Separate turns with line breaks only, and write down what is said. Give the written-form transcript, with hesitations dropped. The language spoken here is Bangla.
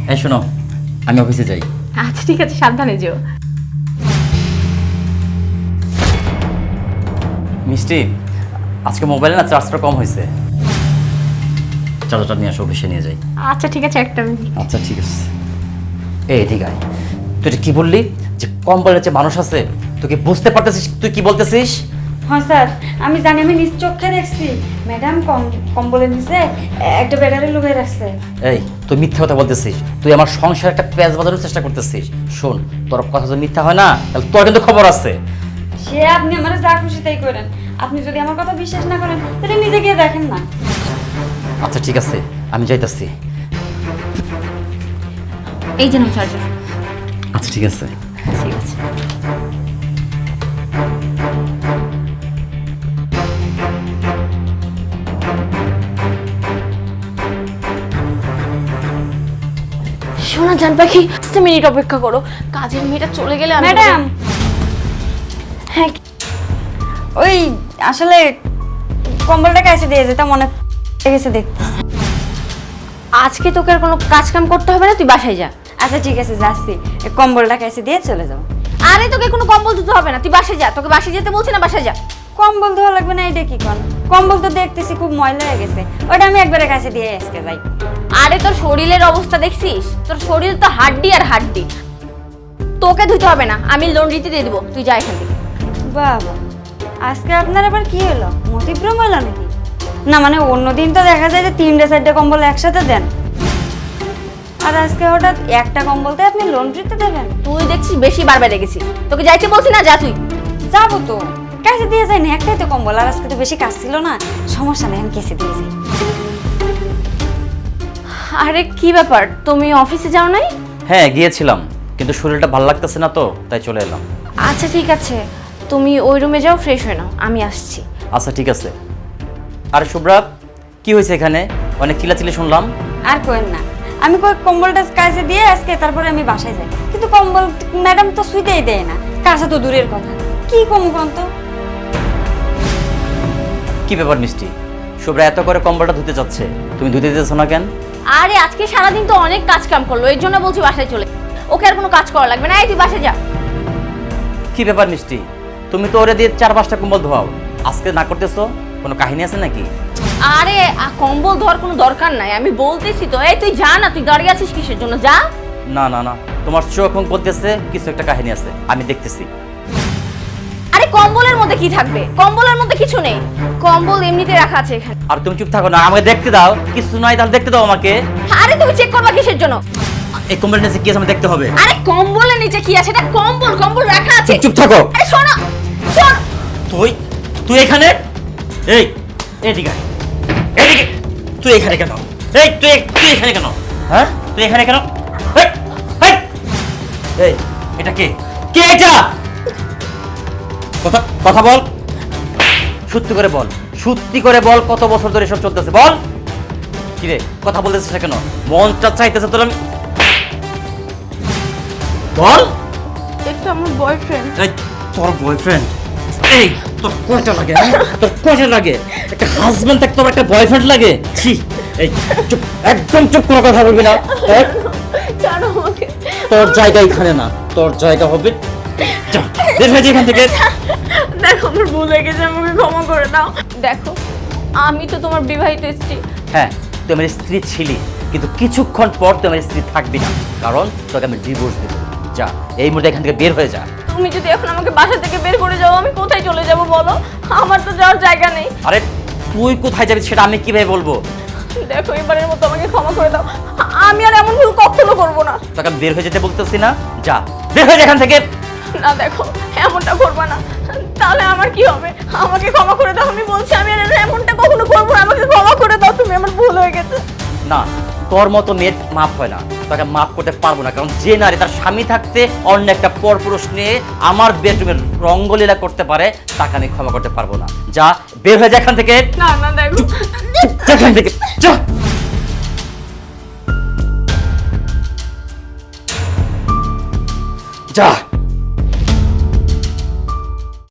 এই শোনো, আমি অফিসে যাই।
আচ্ছা ঠিক আছে, সাবধানে যেও।
মিষ্টি, আজকে মোবাইলে না চার্জটা কম হয়েছে, চার্জারটা নিয়ে আসো, অফিসে নিয়ে যাই।
আচ্ছা ঠিক আছে, একটা মিনিট।
আচ্ছা ঠিক আছে। এই ঠিক আছে, তুই এটা কি বললি যে কম্বলের যে মানুষ আছে, তুই কি বুঝতে পারতেছিস তুই কি বলতেছিস?
হ্যাঁ স্যার, আমি জানি, আমি নিজ চোখে দেখছি ম্যাডাম কম্বলের নিচে একটা ব্যাটারি লুকিয়ে রাখছে।
এই তুই মিথ্যা কথা বলতেছিস, তুই আমার সংসারে একটা পেঁয়াজ বাজানোর চেষ্টা করতেছিস। শোন, তোর কথা যদি মিথ্যা হয় না, তাহলে তোর কিন্তু খবর আছে।
সে আপনি আমার যা খুশি তাই করেন, আপনি যদি আমার কথা বিশ্বাস না করেন তাহলে নিজে গিয়ে দেখেন না।
আচ্ছা ঠিক আছে, আমি যাইতাছি।
এই যে নাও চার্জার।
আচ্ছা ঠিক আছে।
ঠিক আছে। শোনা জান পাখি, 5 মিনিট অপেক্ষা করো, কাজের মেয়েটা চলে গেলে আমি
ম্যাডাম, হ্যাঁ ওই আসলে কম্বলটা কাছে দিয়ে যেতাম, অনেক গেছে দেখতে।
আজকে তোকে আর কোনো কাজ কাম করতে হবে না, তুই বাসায় যা।
আচ্ছা ঠিক আছে, যাচ্ছি, এই কম্বলটা কাছে দিয়ে চলে যাবো।
আরে তোকে কোনো কম্বল দিতে হবে না, তুই বাসায় যা। তোকে বাসায় যেতে বলছি না, বাসায় যা।
কম্বল ধোয়া লাগবে না, এটা কি কোন কম্বল? তো দেখতেছি খুব ময়লা হয়ে গেছে, ওটা আমি একবারে কাছে দিয়ে আজকে যাই।
আরে তোর শরীরের অবস্থা দেখছিস? তোর শরীর তো হাড্ডি আর হাড্ডি, তোকে ধুতে হবে না, আমি লন্ড্রিতে দিয়ে দেবো, তুই যা এখান থেকে।
বাবা, আজকে আপনার আবার কি হলো? মতিভ্রম হলো নাকি? না মানে অন্যদিন তো দেখা যায় যে 3-4টা কম্বল একসাথে দেন, আর আজকে হঠাৎ একটা কম্বলতে আপনি লন্ড্রিতে দেবেন?
তুই দেখছিস বেশি বারবার রেগেছিস, তোকে যাইতে বলছি না, যা তুই।
যাবো তো, কাছে দিয়ে যাই না, একটাই তো কম্বল, আর আজকে তো বেশি কাজ ছিল না, সমস্যা নেই, আমি কেসে দিয়ে যাই।
আরে কি ব্যাপার, তুমি অফিসে যাও নাই?
হ্যাঁ গিয়েছিলাম, কিন্তু শরীরটা ভালো লাগতেছে না তো, তাই চলে এলাম।
আচ্ছা ঠিক আছে, তুমি ওই রুমে যাও, ফ্রেশ হয়ে নাও, আমি আসছি।
আচ্ছা ঠিক আছে। আর শুভ্রা, কি হয়েছে এখানে? অনেক চিল্লাচিল্লি শুনলাম।
আর কোয়েন না, আমি কই কম্বলটা কাছে দিয়ে আজকে তারপরে আমি বাসায় যাই, কিন্তু কম্বল ম্যাডাম তো শুইতেই দেয় না, কাছে তো দূরের কথা, কি কম কোন তো?
কি ব্যাপার মিষ্টি, শুভ্রা এত করে কম্বলটা ধুতে যাচ্ছে, তুমি ধুতে দিতেছো না কেন?
আরে আজকে সারাদিন তো অনেক কাজ কাম করলো, এর জন্য বলছি বাসায় চলে। ওকে আর কোনো কাজ করা লাগবে না, এই তুই বাসায় যা।
কি ব্যাপার মিষ্টি, তুমি তো ওরে দিয়ে 4-5টা কম্বল ধোয়াও, আজকে না করতেছো? কোনো কাহিনী আছে নাকি?
আরে কম্বল ধোয়ার কোনো দরকার নাই, আমি বলতেছি তো। এই তুই যা না, তুই দাঁড়িয়ে আছিস কিসের জন্য, যা।
না না না, তোমার চোখ মুখ বলতেছে কিছু একটা কাহিনী আছে, আমি দেখতেছি।
আরে কম্বলের মধ্যে কি থাকবে? কম্বলের মধ্যে কিছু নেই, কম্বল এমনিতে রাখা আছে এখানে।
আর তুমি চুপ থাকো না, আমাকে দেখতে দাও। কিছু নাই তাহলে দেখতে দাও আমাকে।
আরে তুমি চেক করবা কিসের জন্য?
এই কম্বলের নিচে কি আছে আমাকে দেখতে হবে।
আরে কম্বলের নিচে কি আছে? এটা কম্বল, কম্বল রাখা আছে।
চুপ থাকো।
আরে শোনো, শোন।
তুই তুই এখানে? এই এদিকে আয়। এদিকে। তুই এখানে কেন? এই তুই তুই এখানে কেন? হ্যাঁ, তুই এখানে কেন? এই, এই, এই এটা কে? কে এটা? কথা কথা বল, সত্যি করে বল, সত্যি করে বল, কত বছর ধরে এসব চলতেছে, বল। কি রে, কথা বলতেছিস না কেন? মনটা চাইতেছে তোর, আমি বল।
এটা আমার বয়ফ্রেন্ড।
এই তোর বয়ফ্রেন্ড? এই তোর কয়টা লাগে? তোর কয়টা লাগে? একটা হাজবেন্ড থাকতে তোর একটা বয়ফ্রেন্ড লাগে? ছি, এই চুপ, একদম চুপ, কোনো কথা বলবি না।
জানো আমাকে,
তোর জায়গা এখানে না, তোর জায়গা হবে যা, বের হয়ে যা এখান থেকে।
দেখো আমার ভুল হয়ে গেছে, আমাকে ক্ষমা করে দাও। দেখো আমি তো তোমার বিবাহিত স্ত্রী।
হ্যাঁ, তুই আমার স্ত্রী ছিলি, কিন্তু কিছুক্ষণ পর তুই আমার স্ত্রী থাকবি না, কারণ তোকে আমি ডিভোর্স দেব। যা, এই মুহূর্তে এখান থেকে বের হয়ে যা।
তুমি যদি এখন আমাকে বাসা থেকে বের করে যাও, আমি কোথায় চলে যাব বলো? আমার তো যাওয়ার জায়গা নেই।
আরে তুই কোথায় যাবি সেটা আমি কিভাবে বলবো?
দেখো এবারের মতো আমাকে ক্ষমা করে দাও, আমি আর এমন ভুল কখনো করবো না।
তোকে আমি বের হয়ে যেতে বলতেছি না, যা বের হয়ে যা এখান থেকে।
না দেখো, এমনটা করবা না, তাহলে আমার কি হবে? আমাকে ক্ষমা করে দাও, আমি বলছি আমি আর এমনটা কখনো করবো না, আমাকে ক্ষমা করে দাও, তুমি, আমার ভুল হয়ে গেছে।
না, তোর মতো মেয়ের মাপ হয় না, তাকে মাপ করতে পারবো না, কারণ যে নারী তার স্বামী থাকতে অন্য একটা পরপুরুষ নিয়ে আমার বেডরুমের রঙ্গলীলা করতে পারে, তাকে আমি ক্ষমা করতে পারবো না। যা বের হয়ে যা এখান থেকে।
না না দেখো,
যা এখান থেকে, যা। যা।